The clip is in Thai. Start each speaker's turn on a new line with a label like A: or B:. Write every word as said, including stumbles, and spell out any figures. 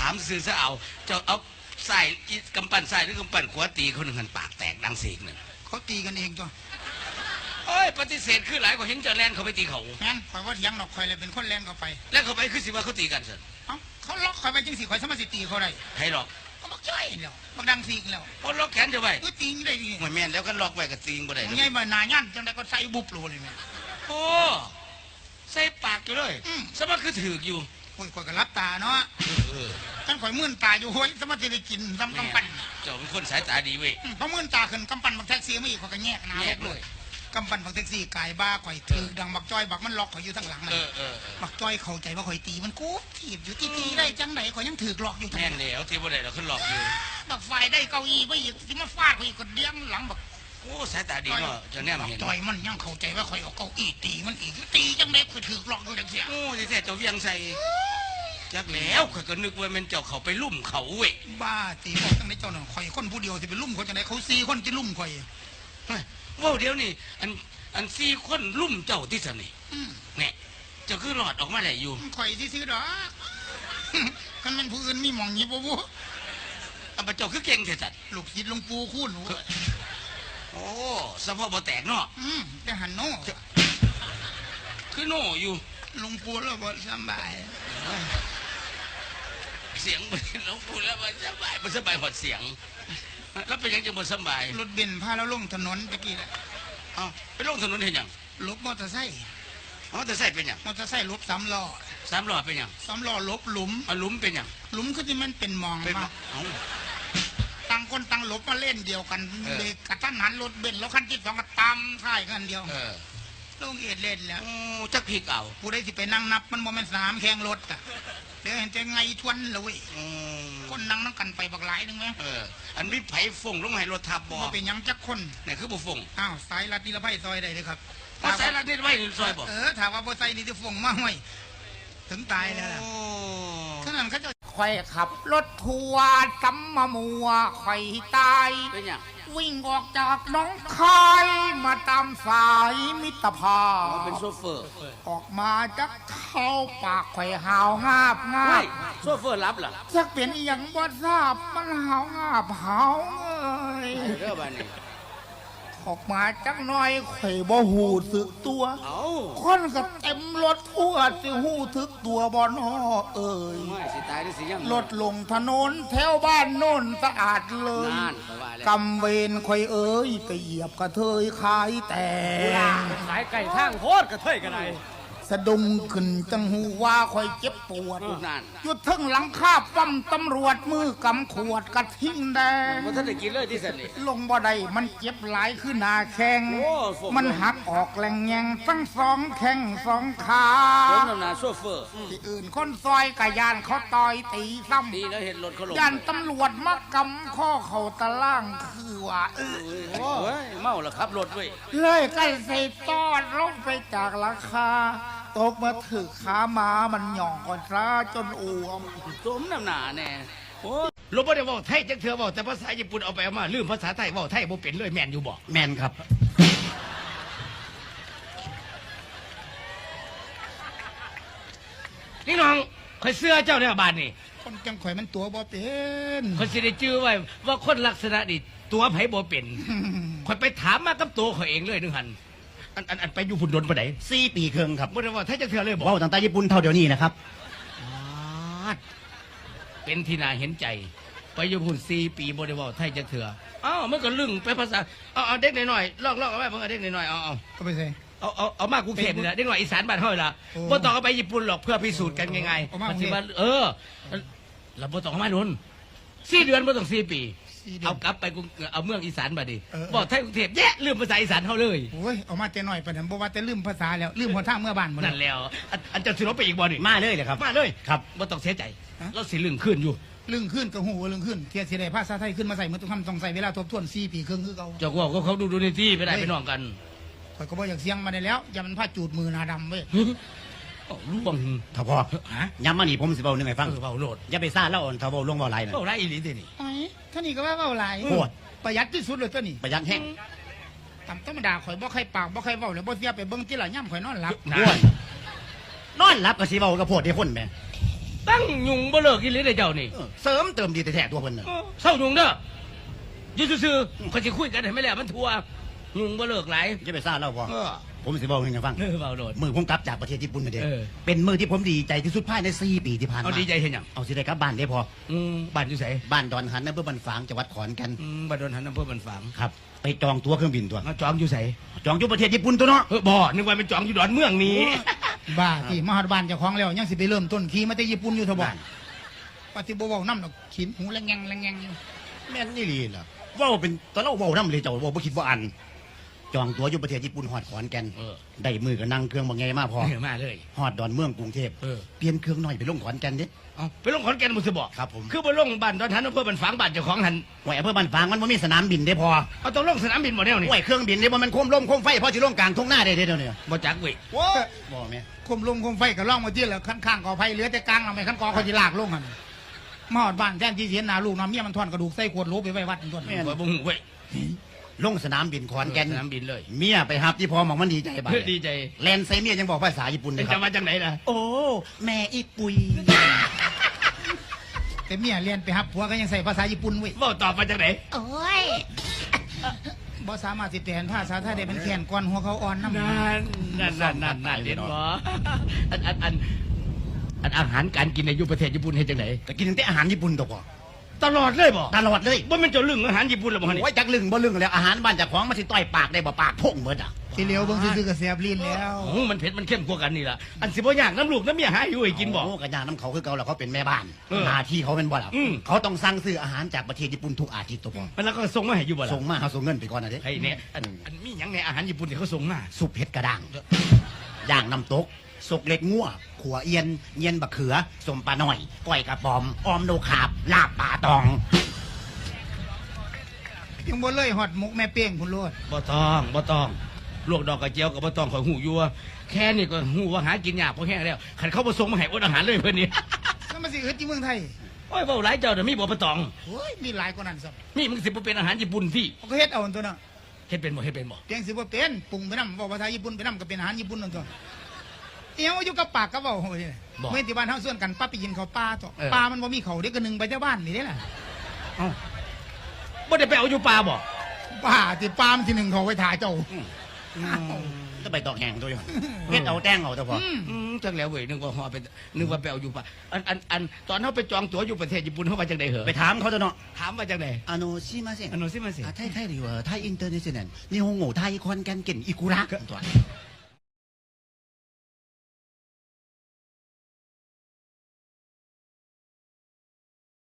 A: ามซื้อซะเอาเจ้าเอาใส่กำปั้นใส่หรือกำปั้นขวาตีคนหนึ่งหันปากแตกดังเสียงหนึ่ง
B: เขาตีกันเองจ้ะ
A: เอ้ยปฏิเสธคือหลายกว่าเห็นเจ้าแลนเขาไปตีเขา
B: งั้นข่อยว่าเถียงดอกข่อยเลยเป็นคนแลนเข้าไป
A: แล้วเขาไปคือสิว่าเขาตีกันสิ
B: เอ้าเขาล็อกข่อยไปจังสิข่อยสามารถสิตีเขาได้
A: ให้หรอก
B: เขาบอกช่วยแล้วบอกดังสีกแล้ว
A: เขาล็อกแขนเจ้าไว้
B: ก็ตีได้ดิ
A: ไม่แม่นแล้วก็ล็อกไว้กับตีงบ่ได้
B: ไงมาหนายันจังได้ก็ใส่บุบโลเลยแม่
A: โอ้ใส่ปากอยู่เลยสมัครคือถืออยู่
B: ข่อยข่อยก็รับตาเนาะกันข่อยมื่นตาอยู่เฮ้ยสมัครจะได้กินทำกำปั้น
A: เจ้าเป็นคนสายตาดีเว้ย
B: เพราะมื่นตาขึ้นกำปั้นบักแท็กซี่ไม่อีกข่อยก็แยกหน้าเลยกำปั้นบักแท็กซี่กายบ้าข่อยถือดังบักจ้อยบักมันล็อกข่อยอยู่ทั้งหลังมันบักจ้อยเข้าใจว่าข่อยตีมันกูถีบอยู่ตีตีได้จังไหนข่อยยังถือหลอกอยู่
A: แน่นแล้วที่บ่ได้เราขึ้นหลอกอยู่
B: บักไฟได้เก้าอี้ไปอีกที่มาฟาดข่อยก็เดี้ยงหลังบัก
A: โอ้สายตาดีเนาะจะแน่เห็น
B: จ้อยมันยังเข้าใจว่าข่อยเอาเก้าอี้ตีมันอีกตีจังไหนข่อยถือหลอกอยู่จังเสีย
A: โอ้ที่แท้เจ้าเวียงใส่จักแล้วข่อยก็นึกว่ามันเจ้าเขาไปลุ่มเขาเว้ย
B: บ้าตีบอกจังไหนเจ้าหน่อยข่อยคนผู้เดียวที่ไปลุ่มเขาจังไหนเขาซีคนจะลุ่มข่อย
A: ว่าเดี๋ยวนี้อันอันซีคนลุ่มเจ้าที่สนิทเนี่ยเจ้าคือหลอดออกมาไหนอยู่
B: ข่อยที่ซื้อดอกกันมันผู้อื่นมีหมองยีบวัว
A: อันเจ้าคือเก่งแต่จัด
B: ลูกศิษย์หลวงปู่คุ้น
A: โอ้สะโพกบ่แตกเนาะ
B: แต่หันโน่
A: คือโน่อยู่
B: หลวงปู่แล้วบ่สบาย
A: เสียงหลวงปู่แล้วบ่สบายบ่สบายหดเสียงแล้วเป็นยังจะบ่สบาย
B: รถเบนซ์พาเราลงถนนตะกี้แหละ
A: อ้าวไปลงถนนเห็นยัง
B: ลบมอเตอร์ไซค์
A: มอเตอร์ไซค์เป็นยัง
B: มอเตอร์ไซค์ลบสามล้อ
A: สามล้อเป็นยัง
B: สามล้อลบหลุม
A: เอาหลุมเป็นยัง
B: หลุมคือที่มันเป็นมองมาต่างคนต่างลบมาเล่นเดียวกันเบรกกระทันหันรถเบนซ์แล้วคันที่สองก็ตามท้ายกันเดียวลงเอ็ดเล่นแล้ว
A: จักผีเก่า
B: ผู้ใดสิไปนั่งนับมันโมเมนต์สนามแข่งรถอ่ะเดี๋ยวเห็นจะไงทวนเลยคนนั่งนั่งกันไปบักหลายนึงไหม
A: เอออันนี้ไผ่ฟงลงให้รถทับบ่
B: เป็นยังจักคน
A: นี่คือบุฟง
B: อ้าวสายลัดนิรภัยซอยได้เลยครับ
A: สายลัดนิรภัยซอยบ่
B: เออถามว่าบ่ใส่นี่จะฟงมาห้อยถึงตายแล้วล่ะขนาดเขาจะคอยขับรถทัวร์ซ้ำมามัวคอยตาย
A: เป็นยัง
B: วิ่งออกจากน้องคายมาตามสายมิตรภาพ
A: เป็นโซเฟอร์
B: ออกมาจากเข้าปากไข่หาวงาบงาบ
A: โซเฟอร์รับเหรอ
B: จะเปลี่ยนอย่างบ่ทราบมันหาวงาบหาวเอ้ย
A: เรื่องบ้านนี้
B: ออกมาจักหน่อยไข่บ่หูสึกตัวคนก็เต็มรถทั่วสิหูทึกตัวบ่นอเอ้ยรถลงถนนแถวบ้านโน่นสะอาดเลยกำเวรคอยเอ้ยไปเหยียบกระเทยขายแต่
C: ขายไก่ทางโคตรกระเทยกันไหน
B: สะดุ้งขึ้นจังหูว่าคอยเจ็บปวดหยุดทึ่งหลังคาปั๊มตำรวจมือกำขวดกระทิ้งแดง
A: มันท่านได้กินเลยที่สันนี่
B: ลงบ่ได้มันเจ็บหลายขึ้นหนาแข้งมันหักออกแหลงแยงทั้งสองแข้งสองขา
A: ผมนำนาโซเฟอร์
B: ที่อื่นคนซอยกะยานเขาต่อยตีซ้ำ
A: ดีแล้วเห็นรถเขาลง
B: ยานตำรวจมากำข้อเข่าตะล่างคือว่าเออ
A: โอ้ยเมาแล้วขับรถเว้ย
B: เลยใกล้ใส่ตอดลงไปจากราคาตกมาถือขามามันหย่องก่อนซะจนอ้วม
A: สมน้ำหนาแน่
C: โอ้ลบบ่ได้บอกไทยจักเถื่อบอกแต่ภาษาญี่ปุ่นเอาไปเอามาลืมภาษาไทยบอกไทยบ่เป็นเลยแม่นอยู่บ่
A: แม่นครับ
C: นี่น้องข่อยเสื้อเจ้าเนี่ยบาดนี่
B: คนจังข่อยมันตัวบ่เป็น
C: ข่อยสิได้จื้อไว้ว่าคนลักษณะนี่ตัวไผบ่เป็นข่อยไปถามมากับตัวข่อยเองเลยนึงหันอันอันอันไปอยู่พุ่นดนปะไหน
A: สี่ปีครึ่งครับ
C: บ่ได้ว่าไทยจักเถื่อเลย
A: บอกว่าต่างตาญี่ปุ่นเท่าเดี๋ยวนี้นะครับ
C: เป็นที่น่าเห็นใจไปอยู่พุ่นสี่ปีบ่ได้ว่าไทยจักเถื่ออ้าวมันก็ลึงไปภาษาเอาเอาเด็กหน่อยๆลอกๆเอาไว้เพิ่นเอาเด็กหน่อยๆเอาเอา
B: เอาไปใส่
C: เอาเอาเอามากรุงเทพนี่แหละเด็กหน่อยอีสานบ้านเฮาล่ะบ่ต้องเอาไปญี่ปุ่นหรอกเพื่อพิสูจน์กันง่ายๆมันสิว่าเออแล้วบ่ต้องเอามาโดนสี่เดือนบ่ต้องสี่ปีเอากลับไปเอาเมืองอีสานมาดิบอกไทยกรุงเทพแย่ลืมภาษาอีสานเขาเลย
B: โอ้ยเอามาแต่หน่อยปะเนี่ยบอกว่าแต่ลืมภาษาแล้วลืมหัวท่าเมื่อบ้านหมด
C: นั่นแล้วอันจะสิลบไปอีกบ่นี่
A: มาเลยเลยครับ
C: มาเลย
A: ครับ
C: บ่ต้องเสียใจเราสิลึงขึ้นอยู่
B: ลึงขึ้นกับหูลึงขึ้นเทียนสีได้ภาษาไทยขึ้นมาใส่เมื่อต้องทำต้องใส่เวลาทบทวนสี่ปีครึ่งคือเขา
C: จากว่าเขาดูดูในที่ไปได้ไปนอนกัน
B: ข่อยก็บอกอย่างเสียงมาได้แล้วอย่ามันผ้าจูดมือหนาดำเว้ย
C: รู้บ้าง
A: ถ้าพอย้ำมาหนีผมสิเบาหนึ่งไงฟัง
C: เบาโหลด
A: อย่าไปซ่าเล่าถ้าเบาลงเบาไหล
C: นะเบาไหลอีหลีนี่
B: ไอ้ท่านี่ก็ว่าเบาไหล
A: โคตร
B: ประหยัดที่สุดเลยตัวนี้
A: ประหยัดแห้ง
B: ตำธรรมดาข่อยบ่ใครปากบ่ใครเบาเลยบ่เสียไปเบิ้งที่หล่ะย่ำข่อยนอนหลับ
A: นอนหลับก็สิเบากระโพดที่คนแม่
C: ตั้งยุงบ่เลิกอีหลีได้เจ้านี่
D: เออเสริมเติมดีแต่แท้ตัวเพิ่นน่ะ
C: เศร้ายุงเด้ออยู่ซื่อๆเขาสิคุยกันให้ไม่แล้วมันทัวยุงบ่เลิกหลาย
D: จะไปซ่าเล่าพอ
C: เออ
D: ผมสิบอกให้ฟัง
C: เออเบาโดด
D: มือผมกลับจากประเทศญี่ปุ่นมาเด้
C: เออ
D: เป็นมือที่ผมดีใจที่สุดภายในสี่ปีที่ผ่านมา
C: เอาดีใจเห็นหยัง
D: เอาสิได้กลับบ้านได้พอ
C: อืมบ้านอยู่ไส
D: บ้านดอนหันอำเภอบันฝางจังหวัดขอนแก่น
C: อืมบ้านดอนหันอำเภอบันฝาง
D: ครับ ไปจองตั๋วเครื่องบินตัว
C: มาจองอยู่ไส
D: จองอยู่ประเทศญี่ปุ่นตัวเนาะ
C: เออบ่นึกว่าเป็นจองอยู่ดอนเมืองนี้
B: บ้าที่มหาดบ้านเจ้าของแล้วยังสิไปเริ่มต้นขี่มาแต่ญี่ปุ่นอยู่เถอะบ่ปฏิบัติเว้านำดอกขินหูแลงแงงแลงแงงอยู่
D: แม่นนี่ลีล่ะเว้าเป็นตอนเราเว้านำเลยเจ้าเว้าบ่คิดว่าอัน จองตั๋วอยู่ประเทศญี่ปุ่นฮอดขอนแก่น
C: เออ
D: ได้มือก็นั่งเครื่องบ่ไงมาพอ
C: เออมาเลย
D: ฮอดดอนเมืองกรุงเทพ
C: เออ
D: เปลี่ยนเครื่องหน่อยไปลงขอนแก่นเด้
C: เอาไปลงขอนแก่นบ่สิบ่
D: ครับผม
C: คือไปลงบ้านดอนหันอำเภอบันฝางบ้านเจ้าของหัน
D: ไว้อำเภอบันฝางมันบ่มีสนามบินได้พอ
C: เอาต้องลงสนามบินบ่แนวนี่
D: ไว้เครื่องบินนี่บ่มันโคมลมโคมไฟพอสิลงกลางทุ่งนาได้เด้เดี๋ยวนี้
C: บ่จักเว้ย
D: โว้บ่แม่
B: คมลงคมไฟก็ล่องมาที่แล้วข้างๆกอไผ่เหลือแต่กลางเราไม่ขั้นกอเขาสิลากลงหั่นมหาดบ้านแทนที่เสียหน้าลูกน้ำเมียมันทอนกระดูกใส่ขวดโหลไปไว้วัดนั่นตัว
C: บ่บ่ฮู้เว้ย
D: ลงสนามบินขอนแก่น
C: สนามบินเลย
D: เมียไปหับที่พอหมองมันดีใจบ้า
C: เพื่อดีใจ
D: แลนใส่เมียยังบอกภาษาญี่ปุ่นเล
C: เป็
D: ย
C: น
D: ค
C: จะ
D: รับ
C: มาจากไหนล่ะ
D: โอ้แม่อีปุย
B: แต่เมียเรียนไปฮับผัวก็ยังใส่ภาษาญี่ปุ่นเว้ย
C: บ่ตอบมาจากไหน
B: โอ้ยบ่สามารถสิแปลภาษาไทยได้เป็นแขนก้อนหัวเขาอ่อนน้ำ
C: นั่นนั่นนั่นนั่นนั่นเห็นบ่อันอันอันอันอาหารการกินในยุคประเทศญี่ปุ่นเฮ็ดจังได
D: แต่กินตั้งแต่อาหารญี่ปุ่นตัวพอ
C: ตลอดเลยบ่
D: ตลอดเลย
C: บ่แม่นเจ้าลึงอาหารญี่ปุ่นหรอบ่ฮะนี่
D: โอ้ยจักลึงบ่ลึงแล้วอาหารบ้านเจากของมันสิต่อยปากได้บ่ปากพุ่งเบิดอ่ะ
B: สิเหลียวเบิ่งซื่อๆก็แสบลิ้นแล้ว
C: โอ้มันเผ็ดมันเข้มกว่ากันนี่ล่ะอันสิบ่ยากน้ำลูกน้ำเมียหาอยู่ให้กินบ่
D: โอ้กระยาน้ำเขาคือเก่าแล้วเขาเป็นแม่บ้าน
C: เออ
D: หน้าที่เขาเป็นบ่ล่ะ
C: อืม
D: เขาต้องสั่งซื้ออาหารจากประเทศญี่ปุ่นทุกอาทิตย์ตัวพอ
C: มันแล้วก็ส่งมาให้อยู่บ่ล่ะ
D: ส่งมาเขาส่งเงินไปก่อนนะเด้
C: ไอ้เนี่ยอันอันมีหยังในอาหารญี่ปุ่นที่เขาส่งมา
D: ซุปเผ็ดกระด้างย่างน้ำตกสกเล็กงัวขัวเอียนเยียนบะเขือสมปลาหน่อยก้อยกระป๋อมออมโนขาบลาบปลาตอง
B: ยังบ่เลยฮอดมุกแม่เป้งพุ่นโลด
C: บ่ต้องบ่ต้องลวกดอกกระเจียวก็บ่ต้องข่อยหูอยู่ว่าแค่นี้ก็หูว่าหากินยากพอแห้งแล้วคันเขาบ่ส่งมาให้อดอาหารเลยเพิ่นนี่
B: แล้วมันสิอึดที่เมืองไทย
C: โอ้ยเว้าหลายเจ้าเดี๋ยวมีบ่บ่ต้อง
B: โอ้ยมีหลายกว่านั้นซับ
C: นี่มึงสิบ่เป็นอาหารญี่ปุ่นที่
B: เขาก็เฮ็ดเอาอันตัวน่ะ
C: เฮ็ดเป็นบ่เฮ็ดเป็นบ่
B: เพียงสิบ่เป็นปรุงไปนำบอกภาษาญี่ปุ่นไปนำก็เป็นอาหารญี่ปุ่นนั่นตัวเอียวอยู่กับปากกับเว้าโหยเมื่อที่บ้านเฮาส่วนกันปั๊บไปกินข้าวปลาตัวปลามันบ่มีเขาเด็กก็นึงไปแต่บ้านนี่เด้ล่ะ
C: เอ้าบ่ได้ไปเอาอยู่ป่าบ่
B: ปลาที่ปลามันที่หนึ่งเขาไว้ถ่าเจ้า
D: จะไปตอกแหงตัวอยู่เฮ็ดเอาแต้งเอาตัวพอ
B: อืม
C: อืมจังแล้วเว้ยนึกว่าฮอไปนึกว่าไปเอาอยู่ป่าอันอันอันตอนเฮาไปจองตั๋วอยู่ประเทศญี่ปุ่นเฮาว่าจังได๋เหรอ
D: ไปถามเขาตัวเนาะ
C: ถามว่าจังได๋
D: あのすいません
C: あのすいません
D: あタイタイではタイインターネットね日本語タイコンキャンケンイクラ